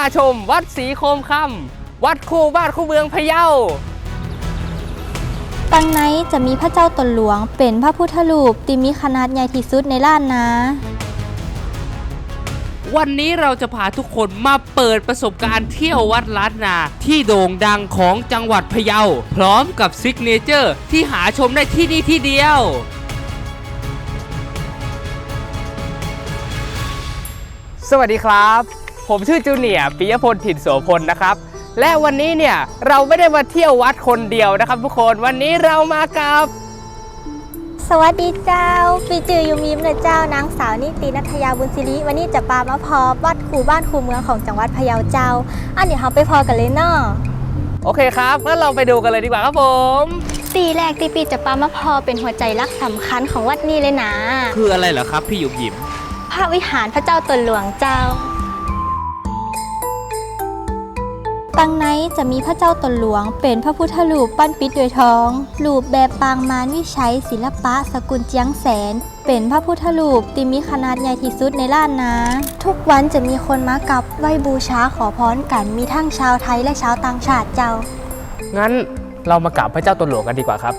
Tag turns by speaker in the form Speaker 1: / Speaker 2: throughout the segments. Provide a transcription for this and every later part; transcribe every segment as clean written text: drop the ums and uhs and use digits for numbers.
Speaker 1: าชมวัดศรีโคมคำวัดคู่บ้านคู่เมืองพะเยา
Speaker 2: ตังไนจะมีพระเจ้าตนหลวงเป็นพระพุทธรูปที่มีขนาดใหญ่ที่สุดในล้านนา
Speaker 1: วันนี้เราจะพาทุกคนมาเปิดประสบการณ์เที่ยววัดล้านนาที่โด่งดังของจังหวัดพะเยาพร้อมกับซิกเนเจอร์ที่หาชมได้ที่นี่ที่เดียวสวัสดีครับผมชื่อจูเนียร์ปิยพลถิ่นโสพลนะครับและวันนี้เนี่ยเราไม่ได้มาเที่ยววัดคนเดียวนะครับทุกคนวันนี้เรามากับ
Speaker 2: สวัสดีเจ้าปีจือยูมิมนะเจ้านางสาวนิตินัทยาบุญศิริวันนี้จะปามาพอวัดคู่บ้านคู่เมืองของจังหวัดพะเยาเจ้าอันนี้เราไปพอกันเลยเนาะ
Speaker 1: โอเคครับงั้นเราไปดูกันเลยดีกว่าครับผม
Speaker 2: ตีแรกที่ปีจะปามาพอเป็นหัวใจรักสำคัญของวัดนี้เลยนะ
Speaker 1: คืออะไรเหรอครับพี่หยุมหยิม
Speaker 2: พระวิหารพระเจ้าตนหลวงเจ้าตังไนจะมีพระเจ้าตนหลวงเป็นพระพุทธรูปปั้นปิดด้วยทองรูปแบบปางมารวิชัยศิลปะสกุลเจียงแสนเป็นพระพุทธรูปที่มีขนาดใหญ่ที่สุดในล้านนาทุกวันจะมีคนมากับไหว้บูชาขอพรกันมีทั้งชาวไทยและชาวต่างชาติเจ้า
Speaker 1: งั้นเรามากราบพระเจ้าตนหลวงกันดีกว่าครับ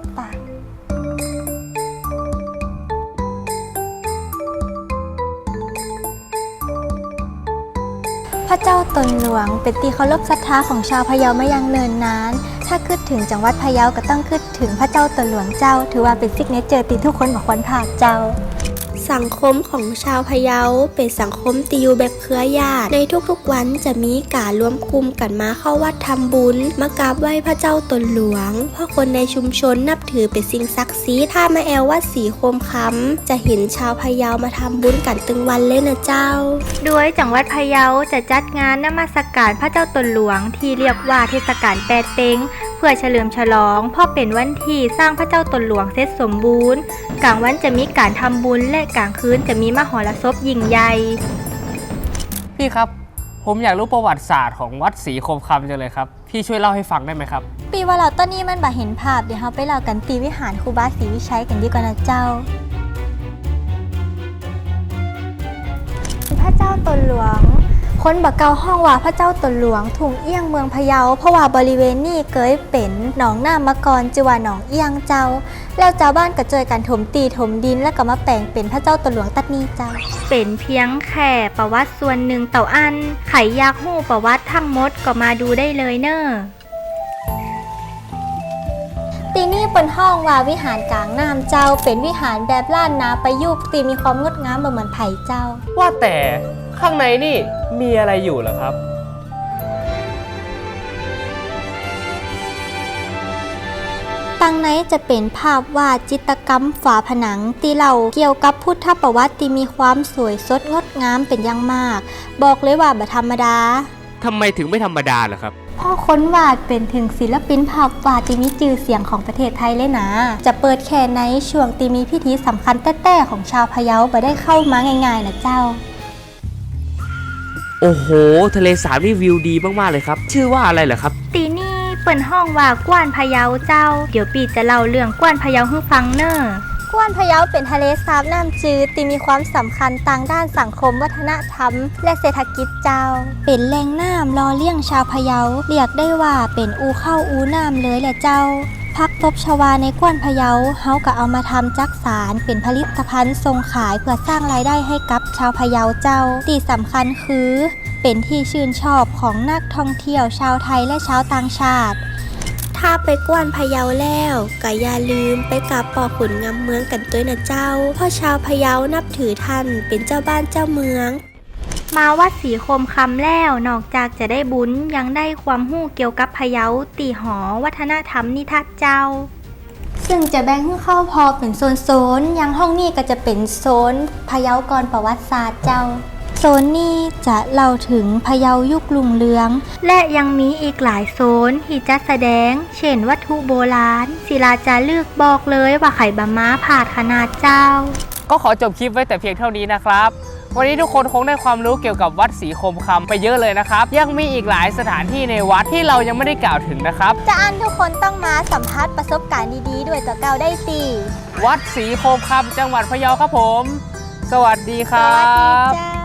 Speaker 2: พระเจ้าตนหลวงเป็นที่เคารพศรัทธาของชาวพะเยามาอย่างเนิ่นนานถ้าคิดถึงจังหวัดพะเยาก็ต้องคิดถึงพระเจ้าตนหลวงเจ้าถือว่าเป็นซิกเนเจอร์ที่ทุกคนบอกควรพลาดเจ้าสังคมของชาวพะเยาเป็นสังคมที่อยู่แบบเครือญาติในทุกๆวันจะมีการรวมกลุ่มกันมาเข้าวัดทำบุญมากราบไหว้พระเจ้าตนหลวงเพราะคนในชุมชนนับถือเป็นสิ่งศักดิ์สิทธิ์ถ้ามาแอลวัดศรีโคมคำจะเห็นชาวพะเยามาทำบุญกันตึงวันเลยนะเจ้าด้วยจังหวัดพะเยาจะจัดงานนมัสการพระเจ้าตนหลวงที่เรียกว่าเทศกาลแปดเต็งเพื่อเฉลิมฉลองเพราะเป็นวันที่สร้างพระเจ้าตนหลวงเสร็จสมบูรณ์กลางวันจะมีการทำบุญและกลางคืนจะมีมหรสพยิ่งใหญ่
Speaker 1: พี่ครับผมอยากรู้ประวัติศาสตร์ของวัดศรีโคมคำจังเลยครับพี่ช่วยเล่าให้ฟังได้ไหมครับ
Speaker 2: ปีว่าเราตอนนี้มันบ่เห็นภาพเดี๋ยวเราไปเล่ากันตีวิหารครูบาศรีวิชัยกันดีกว่านะเจ้าพระเจ้าตนหลวงคนบักเกาห้องว่าพระเจ้าตนหลวงถุงเอี้ยงเมืองพะเยาเพราะว่าบริเวณนี้เคยเป็นหนองน้ำมาก่อนจือว่าหนองเอี้ยงเจ้าแล้วเจ้าบ้านก็เจอกันถมตีถมดินแล้วก็มาแปลงเป็นพระเจ้าตนหลวงตัดนี้เจ้าเป็นเพียงแค่ประวัติส่วนหนึ่งเต่าอันไขยากหู้ประวัติทั้งหมดก็มาดูได้เลยเนอะตีนี่เป็นห้องว่าวิหารกลางน้ำเจ้าเป็นวิหารแบบล้านนาประยุกต์ตีมีความงดงามเหมือนไผ่เจ้า
Speaker 1: ว่าแต่ข้างในนี่มีอะไรอยู่เหรอครับ
Speaker 2: ตังไนจะเป็นภาพวาดจิตรกรรมฝาผนังที่เล่าเกี่ยวกับพุทธประวัติที่มีความสวยสดงดงามเป็นอย่างมากบอกเลยว่าบ่ธรรมดา
Speaker 1: ทำไมถึงไม่ธรรมดาล่ะครับ
Speaker 2: พ่อค้นวาดเป็นถึงศิลปินภาพวาดที่มีชื่อเสียงของประเทศไทยเลยนะจะเปิดแค่ในช่วงที่มีพิธีสำคัญแต้ๆของชาวพะเยาบ่ได้เข้ามาง่ายๆนะเจ้า
Speaker 1: โอ้โหทะเลสาบนี่วิวดีมากๆเลยครับชื่อว่าอะไรเหรอครับ
Speaker 2: ตีนี่เปิดห้องว่ากว้านพะเยาเจ้าเดี๋ยวปีจะเล่าเรื่องกว้านพะเยาให้ฟังเนอะกว้านพะเยาเป็นทะเลสาบน้ำจืดที่มีความสำคัญทางด้านสังคมวัฒนธรรมและเศรษฐกิจเจ้าเป็นแหล่งน้ำรอเลี้ยงชาวพะเยาเรียกได้ว่าเป็นอูเข้าอูน้ำเลยแหละเจ้าพักตบชวาในกว้านพะเยาเฮาก็เอามาทำจักสารเป็นผลิตภัณฑ์ส่งขายเพื่อสร้างรายได้ให้กับชาวพะเยาเจ้าที่สำคัญคือเป็นที่ชื่นชอบของนักท่องเที่ยวชาวไทยและชาวต่างชาติถ้าไปกว้านพะเยาแล้วก็อย่าลืมไปกราบป่อขุนงามเมืองกันด้วยนะเจ้าเพราะชาวพะเยานับถือท่านเป็นเจ้าบ้านเจ้าเมืองมาวัดศรีโคมคำแล้วนอกจากจะได้บุญยังได้ความรู้เกี่ยวกับพะเยาตีหอวัฒนธรรมนิทัศน์เจ้าซึ่งจะแบ่งให้เข้าพอเป็นโซนๆอย่างห้องนี้ก็จะเป็นโซนพะเยาก่อนประวัติศาสตร์เจ้าโซนนี้จะเล่าถึงพะเยายุครุ่งเรืองและยังมีอีกหลายโซนที่จัดแสดงเช่นวัตถุโบราณศิลาจารึกบอกเลยว่าไข่บะม้าผาดขนาดเจ้า
Speaker 1: ก็ขอจบคลิปไว้แต่เพียงเท่านี้นะครับวันนี้ทุกคนคงได้ความรู้เกี่ยวกับวัดศรีโคมคำไปเยอะเลยนะครับยังมีอีกหลายสถานที่ในวัดที่เรายังไม่ได้กล่าวถึงนะครับ
Speaker 2: จะอันทุกคนต้องมาสัมผัสประสบการณ์ดีๆด้วยตัวเก่าได้สิ
Speaker 1: วัดศรีโคมคำจังหวัดพะเยาครับผมสวัสดีครั
Speaker 2: บสวัสดี
Speaker 1: บ
Speaker 2: เจ้า